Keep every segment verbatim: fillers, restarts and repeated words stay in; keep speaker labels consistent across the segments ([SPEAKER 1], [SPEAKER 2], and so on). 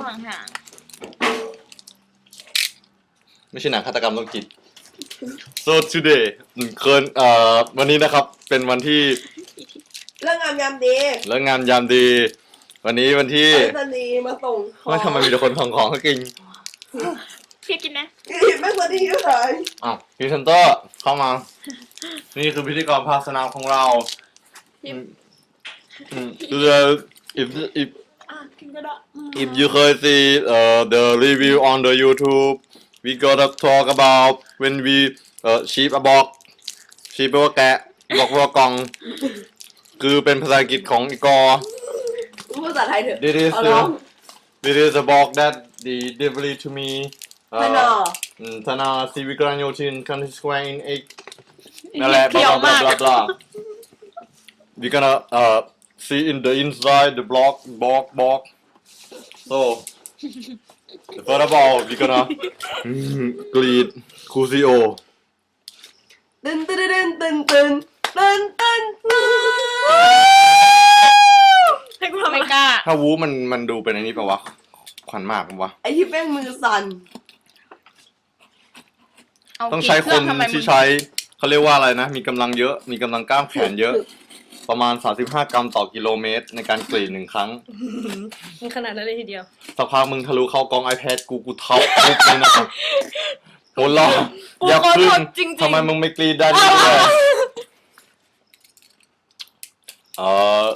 [SPEAKER 1] ห่าง
[SPEAKER 2] ไม่ใช่หนังฆาตกรรมโรคจิต so today เคินเอ่อวันนี้นะครับเป็นวันที่
[SPEAKER 3] เรื่องงามยามดี
[SPEAKER 2] เลิกงานยามดี วันนี้วันที่
[SPEAKER 3] ไปสนีย์มาส่งของ
[SPEAKER 2] ว่าทำไมมีแต่คนของของเขากิน
[SPEAKER 1] ๆพี่กินนะ
[SPEAKER 3] ไม่สนีย์เลย
[SPEAKER 2] อ้าวพรีเซนเตอร์เข้ามา นี่คือพิธีกรภาคสนามของเราอืมอืมคือ if if
[SPEAKER 1] อ่ะกินก็ได้
[SPEAKER 2] if you เคย see uh, the review on the YouTube we gotta talk about when we uh, sheep a box sheep แปลว่าแกะบอกว่ากล่อง คือเป็นภาษาอังกฤษของอีกอ
[SPEAKER 3] พูดภาษาไทยเถอะ
[SPEAKER 2] This is
[SPEAKER 3] เอาร้อง
[SPEAKER 2] this is a box that the delivery to me
[SPEAKER 3] ธนา
[SPEAKER 2] อืมธนาซีวิกรันโยธินคันทรีสแควร์ in eight นั่นแหละ blah blah blah blah blah we gonna uh see in the inside the block box box so first of all we gonna อืมกรีดคูซิโอ
[SPEAKER 3] ตึนตึนตึนตึนตึนตึนตึนตึน
[SPEAKER 1] ให้กูทำไม่กล้า
[SPEAKER 2] ถ้าวูมันมันดูเป็นไอ้นี่ปะวะขวัญมากปะวะ
[SPEAKER 3] ไอที่แป้งมือสั่น
[SPEAKER 1] เอา
[SPEAKER 2] ต้องใช้คน
[SPEAKER 1] กี่เรื่องทำไมมึง
[SPEAKER 2] ที่ใช้เขาเรียกว่าอะไรนะ มีกำลังเยอะ มีกำลังกล้ามแขนเยอะ ประมาณ สามสิบห้า กรัมต่อกิโลเมตรในการกรีดหนึ่งครั้ง
[SPEAKER 1] มันขนาดนั้นเลยทีเดียว
[SPEAKER 2] สักพักมึงทะลุเข้ากอง iPad กูกูทับปุ๊บเลยนะครับโหรอ
[SPEAKER 1] กู
[SPEAKER 2] อย่า
[SPEAKER 1] ขอ
[SPEAKER 2] พึ่
[SPEAKER 1] โท
[SPEAKER 2] ง
[SPEAKER 1] ษจริงๆ
[SPEAKER 2] ทำไมมึงไม่กรีดได้ด้วยเออ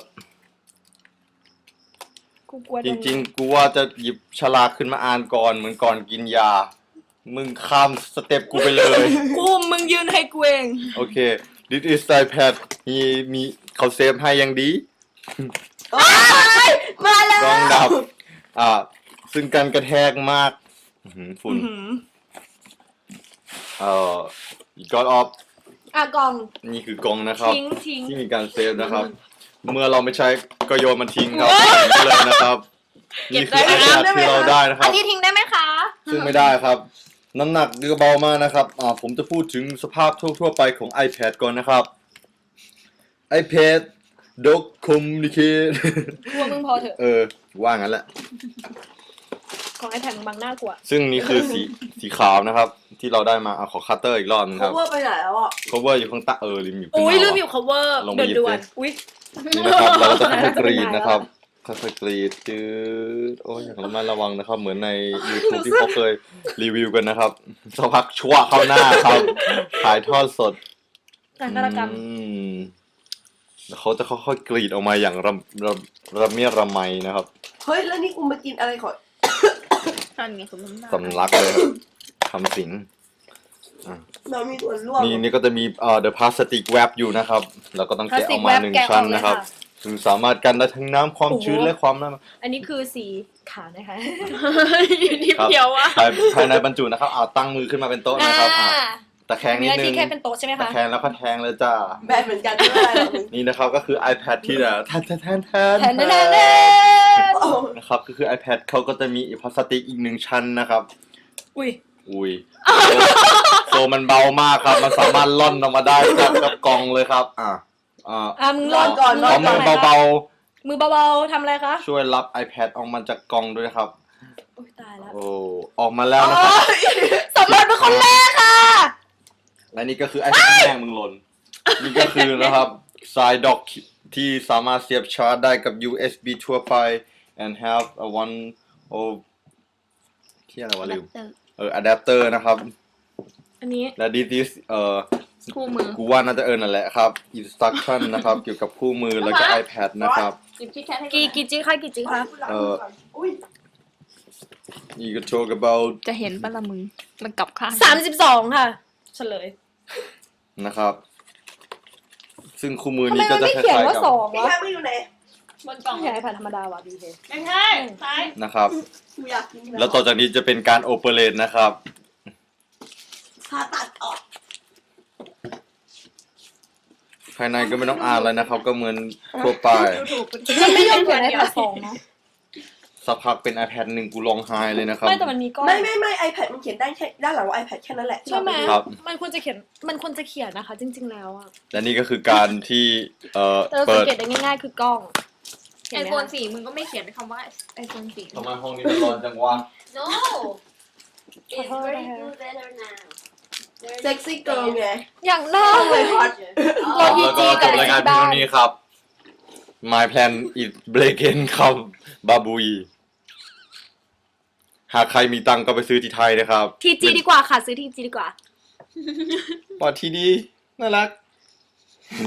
[SPEAKER 1] กูกลัว
[SPEAKER 2] จริงๆ กูว่าจะหยิบฉลากขึ้นมาอ่านก่อนเหมือนก่อนกินยา มึงข้ามสเต็ปกูไปเลย
[SPEAKER 1] กูมึงยืนให้กูเอง
[SPEAKER 2] โอเค this is iPad มีมีเขาเซฟให้ยังดี
[SPEAKER 3] โอ๊ยมาแล้ว
[SPEAKER 2] รองดับ อ่า ซึ่งการกระแทกมากอื้อหือฝุ่น เอ่อก้อนออฟ
[SPEAKER 1] อ่ะกล่อง
[SPEAKER 2] นี่คือกล่องนะครับ
[SPEAKER 1] ทิ้งทิ้ง
[SPEAKER 2] ที่มีการเซฟนะครับ เมื่อเราไม่ใช้ก็โยนมันทิ้งครับนี่เลยนะครับ นี่คือ iPad ที่เราได้นะค
[SPEAKER 1] อั
[SPEAKER 2] รั
[SPEAKER 1] น
[SPEAKER 2] บ
[SPEAKER 1] นี้ทิ้งได้ไหมคะ
[SPEAKER 2] ซึ่งไม่ได้ครับ น้ำหนักก็เบามากนะครับ อ่า ผมจะพูดถึงสภาพทั่วๆไปของ iPad ก่อนนะครับ iPad Doc Communicate
[SPEAKER 1] กลัวมึงพอเถอะ
[SPEAKER 2] เออ ว่างั้นแหละ
[SPEAKER 1] ของไอแผ่นบางหน้ากลัว
[SPEAKER 2] ซึ่งนี่คือสีสีขาวนะครับ ที่เราได้มาเอาขอคัตเตอร์อีกรอบนึงค
[SPEAKER 3] เขา
[SPEAKER 2] รับ
[SPEAKER 3] ว่าไปไหนแล้วอ่ะ
[SPEAKER 2] cover อยู่ข้างใต้เออลืมอยู่ข้าง
[SPEAKER 1] อุ้ย
[SPEAKER 2] ห
[SPEAKER 1] ลื
[SPEAKER 2] น้าม
[SPEAKER 1] อยู่ cover
[SPEAKER 2] ลงไปหยิบ
[SPEAKER 1] ด่วน
[SPEAKER 2] สิ
[SPEAKER 1] ๆอุ้ย
[SPEAKER 2] นี่นะครับเราจะค่อยๆกรีดนะครับค่อยๆกรีดจืดโอ้ยอย่างระมัดระวังนะครับ เหมือนใน YouTube ที่เขาเคยรีวิวกันนะครับสักพักชั่วเข้าหน้าครับถ่ายทอดสด
[SPEAKER 1] การฆาตกรรม
[SPEAKER 2] อืมแล้วเขาจะค่อยๆกรีดออกมาอย่างระระระเมียระไมนะครับ
[SPEAKER 3] เฮ้ยแล้วนี่กูมากินอะไรก่อน
[SPEAKER 1] นั่นไงสมน้ำหน้า
[SPEAKER 2] สำลักเลยครับทำสิง
[SPEAKER 3] เรามีส่วนร่วม
[SPEAKER 2] นี่นี่ก็จะมีเอ่อ the plastic wrap อยู่นะครับเราก็ต้องแกะออกมาหนึ่งชั้นนะครับซึ่งสามารถกันได้ทั้งน้ำความชื้นและความน้ำ
[SPEAKER 1] อันนี้คือสีขาวนะคะ
[SPEAKER 2] นิดเดียวอะภายภายในบรรจุนะครับเอาตั้งมือขึ้นมาเป็นโต๊ะนะครับอ่ะตะแคงนิ
[SPEAKER 1] มี
[SPEAKER 2] ด
[SPEAKER 1] หน้า
[SPEAKER 2] นึ
[SPEAKER 1] ที่
[SPEAKER 2] ง
[SPEAKER 1] แค่เป็นโต๊ะใช่ไหม
[SPEAKER 2] ตะ
[SPEAKER 1] คะ
[SPEAKER 2] แคงแล้วก็แทงเลยจ้า
[SPEAKER 3] แบนเหมือนกันไม่เป็นไรหรอก
[SPEAKER 2] นี่นะครับก็คือ iPad ที่แบบแทนแทนแทนแทน
[SPEAKER 1] แทนแทนแทน
[SPEAKER 3] โอ้
[SPEAKER 2] นะครับก็คือ iPad เขาก็จะมีพลาสติกอีกหนึ่งชั้นนะครับ
[SPEAKER 1] อุ้ย
[SPEAKER 2] อุ้ยโซมันเบามากครับ มันสามารถล่อนออกมาได้จากกับกล่องเลยครับ อ่ะอ่า
[SPEAKER 1] อ่ะมึงรอก่อน
[SPEAKER 2] ขอมือเบา
[SPEAKER 1] มือเบาๆทำอะไรคะ
[SPEAKER 2] ๆช่วยรับ iPad ออกมาจากกล่องด้วยนะครับ
[SPEAKER 1] อุ้ยตายแล้ว
[SPEAKER 2] โอ้ออกมาแล้วนะครับ
[SPEAKER 1] สำรวจเป็นคนแรกค่ะ
[SPEAKER 2] และนี่ก็คือ iPad แม่งมึงหล่นนี่ก็คือนะครับสายดอกที่สามารถเสียบชาร์จได้กับ ยู เอส บี ทั่วไป and have a one of ที่อะไรวะลืมเออ adapter นะครับ
[SPEAKER 1] อันนี้
[SPEAKER 2] และ this is เอ่อ
[SPEAKER 1] คู่มือ
[SPEAKER 2] กูว่าน่าจะเอินนั่นแหละครับ instruction นะครับ เกี่ยวกับคู่มือแล้วก็ iPad นะครับ
[SPEAKER 1] กี่กี่จิค่ะกี่จิค่ะ
[SPEAKER 2] เออ
[SPEAKER 3] อุ้ย
[SPEAKER 2] you can talk about
[SPEAKER 4] จะเห็นปะละมึง มันกลับข้าง
[SPEAKER 1] สามสิบสองค่ะ เฉลย
[SPEAKER 2] นะครับ ซึ่งคู่มือ
[SPEAKER 1] ทำไม
[SPEAKER 2] นี้ก็
[SPEAKER 1] มัน
[SPEAKER 2] จะ
[SPEAKER 1] ไม่
[SPEAKER 2] ค
[SPEAKER 1] เขียน
[SPEAKER 2] ล้ายๆ
[SPEAKER 1] ว่า
[SPEAKER 2] กับ
[SPEAKER 1] สอง
[SPEAKER 3] พี่
[SPEAKER 1] วะ
[SPEAKER 3] แค่ไม่อยู่ไหน
[SPEAKER 1] บนกล่องใช้ไอแพดธรรมดาว่ะดีเค
[SPEAKER 4] ไม่ใช่ใช่
[SPEAKER 2] นะครับ
[SPEAKER 3] กูอยากกิน
[SPEAKER 2] แล้วต่อจากนี้จะเป็นการ operate นะครับ
[SPEAKER 3] ผ่าตัดออก
[SPEAKER 2] ภายในก็ไม่ต้องอ่านแล้วนะครับ ก็เหมือนทั่วไป
[SPEAKER 1] มันไม่ยอมเขียนไอแพดสองนะ
[SPEAKER 2] สักพักเป็น iPad หนึ่งกูร้องไห้เลยนะครับ
[SPEAKER 1] ไม่แต่มันมีก้อน
[SPEAKER 3] ไม่ไม่ไม่ iPad มันเขียนได้แค่ด้านหลังว่า iPad แค่นั้นแหละ
[SPEAKER 1] ใช่ไหม
[SPEAKER 2] ครับ
[SPEAKER 1] มันควรจะเขียนมันควรจะเขียนนะคะ จริง ๆแล้วอะ
[SPEAKER 2] และนี่ก็คือการที่เอ่อ
[SPEAKER 1] แต่เรา
[SPEAKER 2] เปิ
[SPEAKER 1] สัง
[SPEAKER 2] ด
[SPEAKER 1] เกตได้ง่ายๆคือกล้องเห็น
[SPEAKER 4] ไอ
[SPEAKER 1] ไหม
[SPEAKER 4] โฟน
[SPEAKER 1] คะ
[SPEAKER 4] สี่มึงก็ไม่เขียนคำว่าไอโฟนสี่
[SPEAKER 2] ทำไมห้องนี้มันร้อนจังวะ
[SPEAKER 5] No. It's very good weather now.
[SPEAKER 3] เซ็กซี่เกิร์ลไง
[SPEAKER 1] อย่างน่าเลย
[SPEAKER 3] ฮอต
[SPEAKER 1] เรา
[SPEAKER 5] Oh.
[SPEAKER 1] ยี
[SPEAKER 2] แล้วก็จบรายการเพียงเท่านี้ครับ My plan is breaking ครับบาบุยหากใครมีตังค์ก็ไปซื้อที่ไทยนะครับ
[SPEAKER 1] ทีจีดีกว่าค่ะ ซื้อทีจีดีกว่า
[SPEAKER 2] ปอดทีดีน่ารัก